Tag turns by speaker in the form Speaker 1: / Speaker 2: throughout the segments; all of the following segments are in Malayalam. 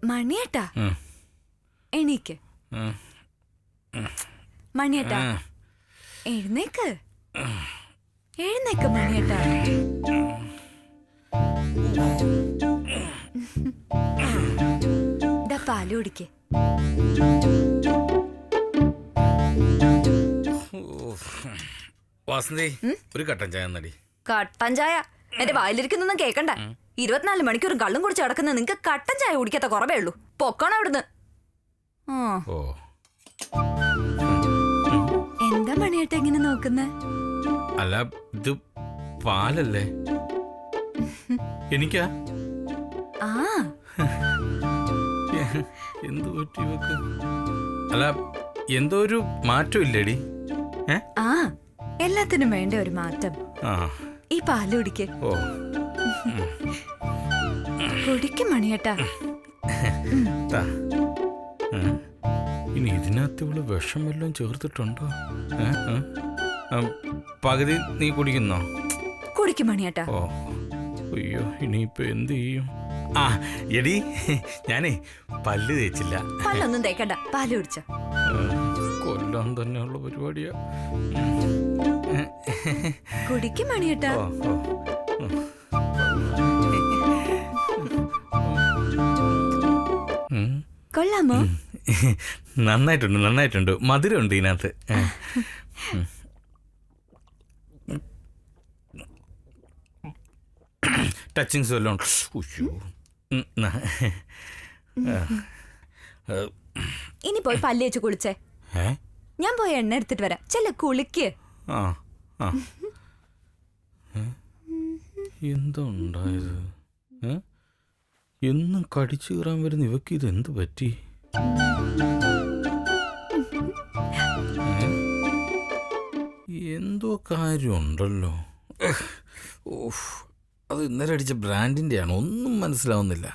Speaker 1: മണിയേട്ടാ എണീക്ക്. മണിയേട്ടാ എഴുന്നേക്ക്, എഴുന്നേക്ക് മണിയേട്ടാ. പാല് കുടിക്ക്.
Speaker 2: വാസന്തി, ഒരു കട്ടൻ ചായ നടി.
Speaker 1: കട്ടൻ ചായ എന്റെ വായിലിരിക്കുന്നൊന്നും കേക്കണ്ട. 24 മണിക്കൂറും കള്ളും കുടിച്ച് കിടക്കുന്ന നിങ്ങക്ക് കട്ടൻ ചായ കുടിക്കാത്ത കുറവേ ഉള്ളൂ. പൊക്കണം അവിടുന്ന്. എന്താ മണിയേട്ട ഇങ്ങനെ നോക്കുന്ന?
Speaker 2: അല്ല, ഇത് പാലല്ലേ? എനിക്കാ?
Speaker 1: ആ
Speaker 2: എന്തു പറ്റി വെക്ക്? അല്ല, എന്തോ ഒരു മാറ്റം ഇല്ലേടി?
Speaker 1: ആ എല്ലാത്തിനും വേണ്ട ഒരു മാറ്റം. ഈ പാല് കുടിക്ക്.
Speaker 2: ഓ,
Speaker 1: കുടിക്കും മണിയേട്ടാ.
Speaker 2: ഇനി ഇതിനകത്ത് ഇവള് വിഷം വല്ലതും ചേർത്തിട്ടുണ്ടോ? പകുതി നീ കുടിക്കുന്നോ?
Speaker 1: കുടിക്കും മണിയേട്ടാ.
Speaker 2: ഓ അയ്യോ, ഇനിയിപ്പൊ എന്ത് ചെയ്യും? ആ എടി, ഞാനേ പല്ല് തേച്ചില്ല.
Speaker 1: പല്ലൊന്നും തേക്കണ്ട, പാല് കുടിച്ച.
Speaker 2: കൊല്ലാൻ തന്നെയുള്ള പരിപാടിയാ.
Speaker 1: കുടിക്കും മണിയേട്ടാ. കൊള്ളാമോ?
Speaker 2: നന്നായിട്ടുണ്ട്, നന്നായിട്ടുണ്ട്. മധുരമുണ്ട് ഇതിനകത്ത്. ടച്ചിങ്സ് വല്ലതും?
Speaker 1: ഇനി പോയി പല്ല് വെച്ച് കുളിച്ചേ. ഞാൻ പോയി എണ്ണ എടുത്തിട്ട് വരാം. ചെല്ല കുളിക്ക്.
Speaker 2: എന്താ ഉണ്ടായത്? എന്നും കടിച്ചു കയറാൻ വരുന്ന ഇവക്ക് ഇത് എന്ത് പറ്റി? എന്തോ കാര്യമുണ്ടല്ലോ. അത് ഇന്നലെ അടിച്ച ബ്രാൻഡിൻ്റെ ആണ്. ഒന്നും മനസ്സിലാവുന്നില്ല.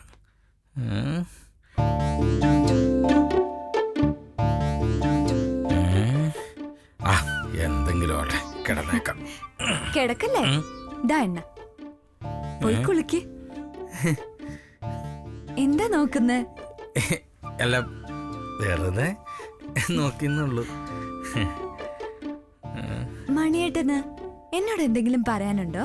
Speaker 2: എന്തെങ്കിലും ആട്ടെ, കിടന്നേക്കാം.
Speaker 1: കിടക്കല്ലേ? ദാ എണ്ണ, പോയി കുളിക്ക്. എന്താ നോക്കുന്നേ?
Speaker 2: അല്ല, വെറുതെ നോക്കിന്നുള്ളൂ.
Speaker 1: മണിയേട്ടന് എന്നോട് എന്തെങ്കിലും പറയാനുണ്ടോ?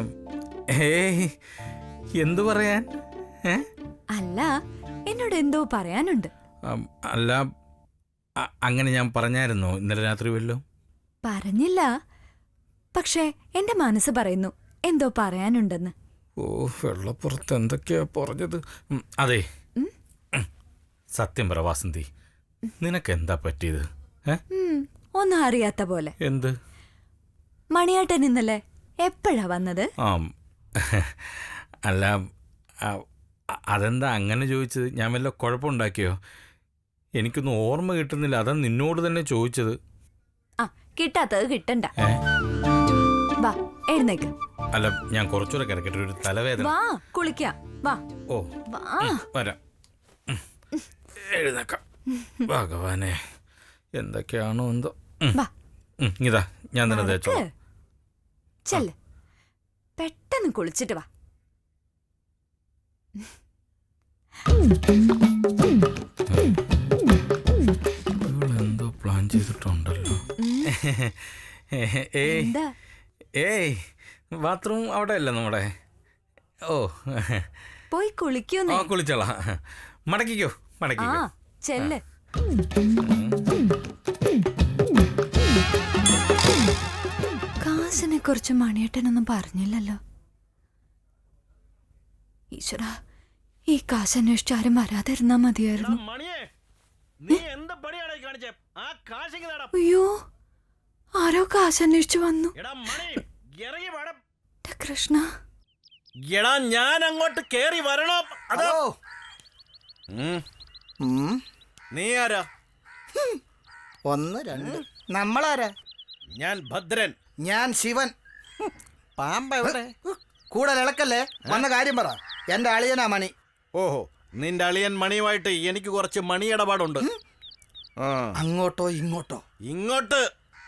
Speaker 2: എന്തു പറയാൻ?
Speaker 1: അല്ല, എന്നോട് എന്തോ പറയാനുണ്ട്.
Speaker 2: അല്ല, അങ്ങനെ ഞാൻ പറഞ്ഞായിരുന്നോ ഇന്നലെ രാത്രി വല്ലോ?
Speaker 1: പറഞ്ഞില്ല, പക്ഷേ എന്റെ മനസ്സ് പറയുന്നു എന്തോ പറയാനുണ്ടെന്ന്.
Speaker 2: ഓ, വെള്ളപ്പുറത്ത് എന്തൊക്കെയാ പറഞ്ഞത്? അതെ, സത്യം പറ വാസന്തി, നിനക്കെന്താ പറ്റിയത്?
Speaker 1: ഒന്നും അറിയാത്ത പോലെ.
Speaker 2: എന്ത്?
Speaker 1: മണിയേട്ടൻ ഇന്നലെ എപ്പോഴാ വന്നത്?
Speaker 2: അല്ല, അതെന്താ അങ്ങനെ ചോദിച്ചത്? ഞാൻ വല്ല കുഴപ്പമുണ്ടാക്കിയോ? എനിക്കൊന്നും ഓർമ്മ കിട്ടുന്നില്ല. അതാ നിന്നോട് തന്നെ ചോദിച്ചത്.
Speaker 1: കിട്ടാത്തത് കിട്ടണ്ട. വാ, എഴുന്നേക്ക്.
Speaker 2: അല്ല, ഞാൻ കുറച്ചുകൂടെ കിടക്കട്ടെ, ഒരു തലവേദന.
Speaker 1: വാ, കുളിക്കാം. വാ.
Speaker 2: ഓ, വരാം. എഴുന്നേക്കാം. ഭഗവാനെ, എന്തൊക്കെയാണോ എന്തോ. ഇതാ, ഞാൻ തന്നെ തേച്ചോ.
Speaker 1: ചെല്ല്, പെട്ടെന്ന് കുളിച്ചിട്ട് വാ.
Speaker 2: എന്തോ പ്ലാൻ ചെയ്തിട്ടുണ്ടല്ലോ. ഏയ്, ബാത്റൂം അവിടെ അല്ല നമ്മുടെ. ഓ,
Speaker 1: പോയി കുളിക്കോ?
Speaker 2: കുളിച്ചോളാം. മടക്കിക്കോ, മടക്കിക്കോ.
Speaker 1: ചെല്ല്. കാശിനെ കുറിച്ച് മണിയേട്ടനൊന്നും പറഞ്ഞില്ലല്ലോ. ഈശ്വര, ഈ കാശ് അന്വേഷിച്ച് ആരും വരാതിരുന്നാ മതിയായിരുന്നു. അയ്യോ, ആരോ കാശ് അന്വേഷിച്ചു വന്നു. കൃഷ്ണ,
Speaker 3: എടാ, ഞാൻ അങ്ങോട്ട് കേറി വരണോ? അതോ നീ ആരാ?
Speaker 4: 1 2. നമ്മളാരാ?
Speaker 3: ഞാൻ ഭദ്രൻ.
Speaker 4: ഞാൻ ശിവൻ.
Speaker 3: പാമ്പ എവിടെ?
Speaker 4: കൂടെ ഇളക്കല്ലേ, വന്ന കാര്യം പറ. എന്റെ അളിയനാ മണി.
Speaker 3: ഓഹോ, നിന്റെ അളിയൻ മണിയുമായിട്ട് എനിക്ക് കുറച്ച് മണി ഇടപാടുണ്ട്.
Speaker 4: അങ്ങോട്ടോ ഇങ്ങോട്ടോ?
Speaker 3: ഇങ്ങോട്ട്.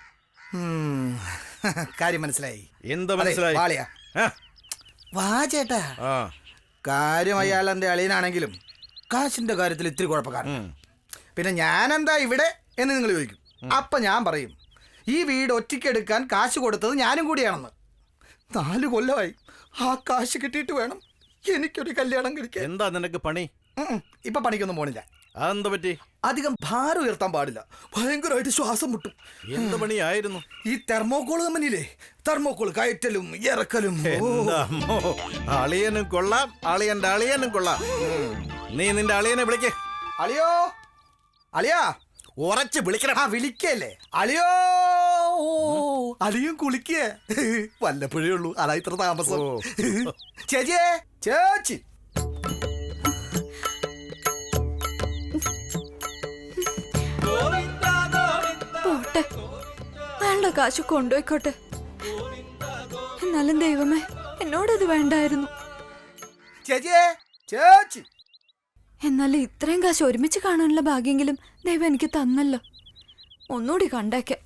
Speaker 4: കാര്യം മനസ്സിലായി.
Speaker 3: എന്ത് മനസ്സിലായി?
Speaker 4: വാ ചേട്ടാ, കാര്യം അയാൾ എന്റെ അളിയനാണെങ്കിലും കാശിന്റെ കാര്യത്തിൽ ഇത്തിരി കുഴപ്പക്കാരൻ. പിന്നെ ഞാനെന്താ ഇവിടെ എന്ന് നിങ്ങൾ ചോദിക്കും. അപ്പൊ ഞാൻ പറയും, ഈ വീട് ഒറ്റയ്ക്കെടുക്കാൻ കാശ് കൊടുത്തത് ഞാനും കൂടിയാണെന്ന്. 4 കൊല്ലമായി ആ കാശ് കിട്ടിയിട്ട് വേണം എനിക്കൊരു കല്യാണം കഴിക്കാൻ.
Speaker 3: എന്താ നിനക്ക് പണി?
Speaker 4: ഇപ്പൊ പണിക്കൊന്നും പോണില്ല.
Speaker 3: അതെന്താ പറ്റി?
Speaker 4: അധികം ഭാരം ഉയർത്താൻ പാടില്ല, ഭയങ്കരമായിട്ട് ശ്വാസം മുട്ടും.
Speaker 3: എന്ത് പണിയായിരുന്നു?
Speaker 4: ഈ തെർമോക്കോൾ കമ്പനിയിലെ തെർമോക്കോൾ കയറ്റലും ഇറക്കലും.
Speaker 3: എന്താ അമ്മോ, അളിയനും കൊള്ളാം, അളിയന്റെ അളിയനും കൊള്ളാം. നീ നിന്റെ അളിയനെ വിളിക്കേ.
Speaker 4: അളിയോ, അളിയാ,
Speaker 3: ഉറച്ച് വിളിക്കണം.
Speaker 4: ആ വിളിക്കല്ലേ അളിയോ. അളിയും കുളിക്കേ, വല്ലപ്പോഴേ ഉള്ളൂ, അതാ ഇത്ര താമസം. ചേച്ചിയേ, ചേച്ചി.
Speaker 1: പോട്ടെ, വേണ്ട കാശ് കൊണ്ടുപോയിക്കോട്ടെ. എന്നാലും ദൈവമേ, എന്നോടത് വേണ്ടായിരുന്നു.
Speaker 4: ചേച്ചിയേ, ചേച്ചി.
Speaker 1: എന്നാലും ഇത്രയും കാശ് ഒരുമിച്ച് കാണാനുള്ള ഭാഗ്യെങ്കിലും ദൈവം എനിക്ക് തന്നല്ലോ. ഒന്നുകൂടി കണ്ടേക്കാം.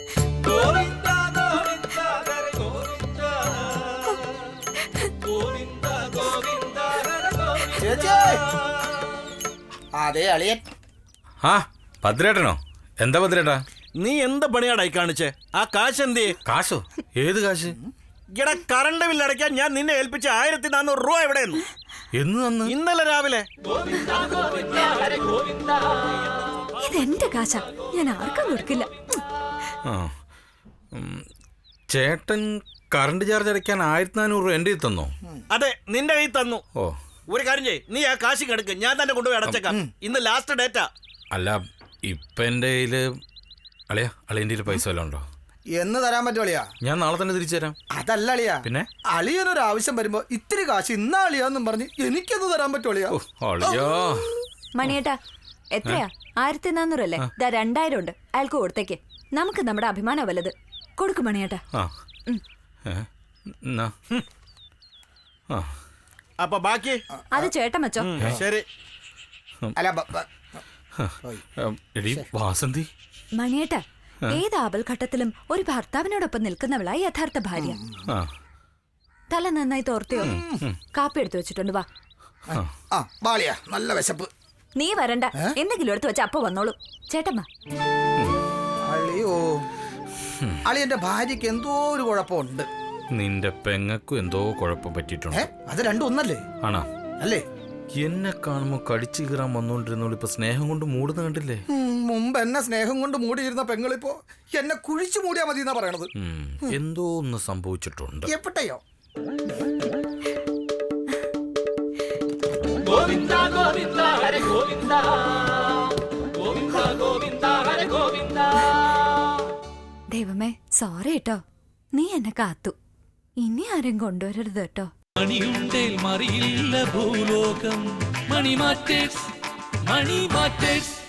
Speaker 4: ചേച്ചി. അതെ അളിയൻ.
Speaker 2: ആ ഭദ്രേട്ടനോ? എന്താ ഭദ്രേട്ടാ?
Speaker 3: നീ എന്ത് പണിയാടായി കാണിച്ചേ? ആ കാശ് എന്തേ?
Speaker 2: കാശോ? ഏത് കാശ്?
Speaker 3: ഇവിടെ കറണ്ട് ബില്ല് അടയ്ക്കാൻ ഞാൻ നിന്നെ ഏൽപ്പിച്ച 1400 രൂപ എവിടെയെന്നു?
Speaker 2: എന്ന് തന്ന്?
Speaker 3: ഇന്നലെ രാവിലെ.
Speaker 1: ഇതെന്റെ കാശാ, ഞാൻ ആർക്കും കൊടുക്കില്ല.
Speaker 2: ആ ചേട്ടൻ കറണ്ട് ചാർജ് അടയ്ക്കാൻ 1400 രൂപ എൻ്റെ കയ്യിൽ തന്നോ?
Speaker 3: അതെ, നിന്റെ കയ്യിൽ തന്നു.
Speaker 2: ഓ,
Speaker 3: ഒരു കാര്യം ചെയ്യ്, നീ ആ കാശ് കിടക്ക്, ഞാൻ തന്നെ കൊണ്ടുപോയി അടച്ചേക്കാം. ഇന്ന് ലാസ്റ്റ് ഡേറ്റാ.
Speaker 2: അല്ല ഇപ്പം എൻ്റെ കയ്യിൽ അളിയൻ്റെ കയ്യിൽ പൈസ വല്ലതും ഉണ്ടോ?
Speaker 4: എന്ന് തരാൻ പറ്റും അളിയാ?
Speaker 2: ഞാൻ നാളെ തന്നെ തിരിച്ചു തരാം.
Speaker 4: അതല്ല അളിയാ,
Speaker 2: പിന്നെ
Speaker 4: അളിയനൊരു ആവശ്യം വരുമ്പോ ഇത്തിരി കാശ് ഇന്നാ അളിയാന്നും പറഞ്ഞ് എനിക്കത് തരാൻ പറ്റും അളിയാ?
Speaker 2: അളിയോ.
Speaker 1: മണിയേട്ടാ, എത്രയാ? 1400 അല്ലേ? 2000 ഉണ്ട്, അയാൾക്ക് കൊടുത്തേക്ക്. നമുക്ക് നമ്മുടെ അഭിമാനം വല്ലത്. കൊടുക്കും മണിയേട്ടാ.
Speaker 2: ആ എന്നാ. ആ
Speaker 3: അപ്പൊ ബാക്കി
Speaker 1: അത് ചേട്ടൻ വെച്ചോ.
Speaker 3: ശരി.
Speaker 4: അല്ല
Speaker 2: എടി വാസന്തി.
Speaker 1: മണിയേട്ടാ, ഏത് ആപൽഘട്ടത്തിലും ഒരു ഭർത്താവിനോടൊപ്പം നിൽക്കുന്നവളായി യഥാർത്ഥ ഭാര്യ.
Speaker 2: ആ
Speaker 1: തല നന്നായി തോർത്തിയോ? കാപ്പി എടുത്തു വെച്ചിട്ടുണ്ട്, വാ.
Speaker 4: ആ ബാളിയാ, നല്ല വിശപ്പ്.
Speaker 1: നീ വരണ്ട, എന്തെങ്കിലും എടുത്തു വെച്ച അപ്പൊ വന്നോളൂ. ചേട്ടമ്മ.
Speaker 4: അളിയോ, അളിയന്റെ ഭാര്യക്ക് എന്തോ ഒരു കുഴപ്പമുണ്ട്.
Speaker 2: നിന്റെ പെങ്ങൾക്കും എന്തോ കുഴപ്പം പറ്റിയിട്ടുണ്ട്.
Speaker 4: അത് രണ്ടും ഒന്നല്ലേ?
Speaker 2: ആണോ?
Speaker 4: അല്ലേ?
Speaker 2: എന്നെ കാണുമ്പോ കടിച്ചു കീറാൻ വന്നോണ്ടിരുന്നോളൂ ഇപ്പൊ സ്നേഹം കൊണ്ട് മൂടുന്ന കണ്ടില്ലേ?
Speaker 4: മുമ്പ് എന്നെ സ്നേഹം കൊണ്ട് മൂടിയിരുന്ന പെങ്ങളിപ്പോ എന്നെ കുഴിച്ചു മൂടിയാ മതി എന്നാ പറയണത്.
Speaker 2: എന്തോ ഒന്ന് സംഭവിച്ചിട്ടുണ്ട്.
Speaker 4: എപ്പോഴയോ?
Speaker 1: ദൈവമേ, സോറി കേട്ടോ, നീ എന്നെ കാത്തു. ഇനി ആരും കൊണ്ടുവരരുത് കേട്ടോ.
Speaker 5: മണിയുണ്ടേൽ മറിയില്ല ഭൂലോകം. Money matters, money matters.